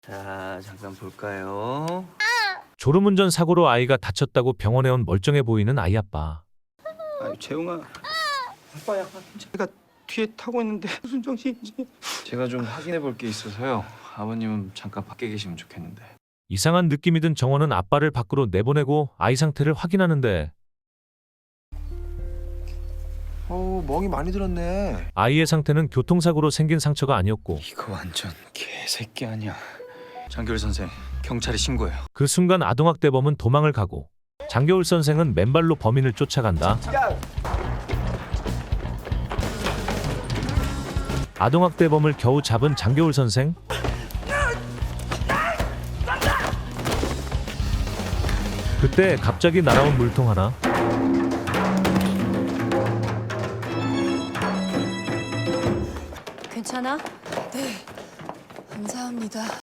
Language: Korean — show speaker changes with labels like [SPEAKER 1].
[SPEAKER 1] 자, 잠깐 볼까요?
[SPEAKER 2] 졸음운전 사고로 아이가 다쳤다고 병원에 온 멀쩡해 보이는 아이 아빠.
[SPEAKER 1] 아유, 재웅아. 아빠야, 제가 뒤에 타고 있는데 무슨 정신인지. 제가 좀 확인해 볼 게 있어서요. 아버님은 잠깐 밖에 계시면 좋겠는데.
[SPEAKER 2] 이상한 느낌이 든 정원은 아빠를 밖으로 내보내고 아이 상태를 확인하는데
[SPEAKER 3] 멍이 많이 들었네.
[SPEAKER 2] 아이의 상태는 교통사고로 생긴 상처가 아니었고
[SPEAKER 1] 이거 완전 개새끼 아니야. 장교일 선생, 경찰에 신고해요.
[SPEAKER 2] 그 순간 아동학대범은 도망을 가고 장겨울 선생은 맨발로 범인을 쫓아간다. 아동학대범을 겨우 잡은 장겨울 선생. 그때 갑자기 날아온 물통 하나.
[SPEAKER 4] 괜찮아?
[SPEAKER 5] 네, 감사합니다.